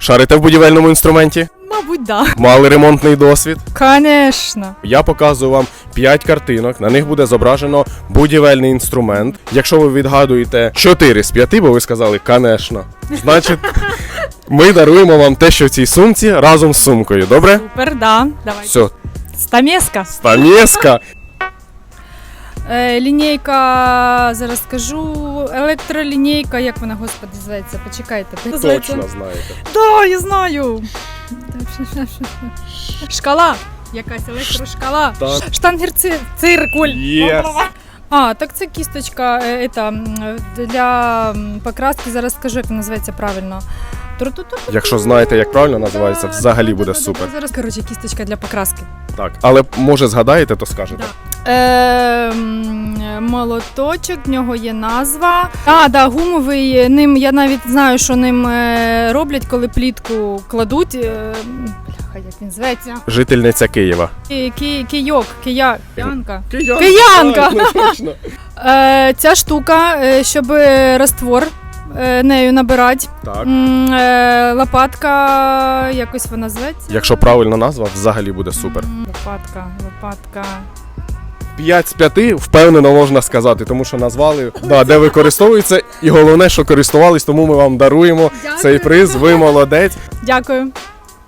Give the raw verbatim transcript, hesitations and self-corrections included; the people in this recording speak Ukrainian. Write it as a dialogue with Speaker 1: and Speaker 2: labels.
Speaker 1: Шарите в будівельному інструменті?
Speaker 2: Мабуть, да.
Speaker 1: Мали ремонтний досвід?
Speaker 2: Конечно.
Speaker 1: Я показую вам п'ять картинок, на них буде зображено будівельний інструмент. Якщо ви відгадуєте чотири з п'яти, бо ви сказали «конечно», значить ми даруємо вам те, що в цій сумці разом з сумкою, добре?
Speaker 2: Супер, да. Давай.
Speaker 1: Все,
Speaker 2: Стамеска.
Speaker 1: стамеска.
Speaker 2: Е, лінійка, зараз скажу, електролінійка, як вона, господи, зветься, почекайте.
Speaker 1: Точно знаєте.
Speaker 2: Да, я знаю. Шкала. Якась електрошкала.
Speaker 1: Так.
Speaker 2: Штангер-циркуль.
Speaker 1: Yes.
Speaker 2: А, так це кісточка е, ета, м, для м, покраски, зараз скажу, як вона називається правильно. Тру-ту-ту-ту-ту.
Speaker 1: Якщо знаєте, як правильно називається, взагалі буде
Speaker 2: Да-да-да-да-да.
Speaker 1: супер.
Speaker 2: Зараз, коротше, кісточка для покраски.
Speaker 1: Так, але може згадаєте, то скажете.
Speaker 2: Е, м, молоточок, в нього є назва. А, да, гумовий, ним, я навіть знаю, що ним е, роблять, коли плітку кладуть. Е, бляха, як він зветься?
Speaker 1: Жительниця Києва.
Speaker 2: Ки, ки, кийок, кия, киянка.
Speaker 1: Киянка!
Speaker 2: Киянка!
Speaker 1: Так, ну, точно.
Speaker 2: Е, ця штука, е, щоб раствор е, нею набирати.
Speaker 1: Так.
Speaker 2: М, е, лопатка, якось вона зветься.
Speaker 1: Якщо правильна назва, взагалі буде супер.
Speaker 2: М, Лопатка, лопатка.
Speaker 1: п'ять з п'яти впевнено можна сказати, тому що назвали, да, де використовується, і головне, що користувались, тому ми вам даруємо
Speaker 2: Дякую.
Speaker 1: цей приз. Ви молодець.
Speaker 2: Дякую.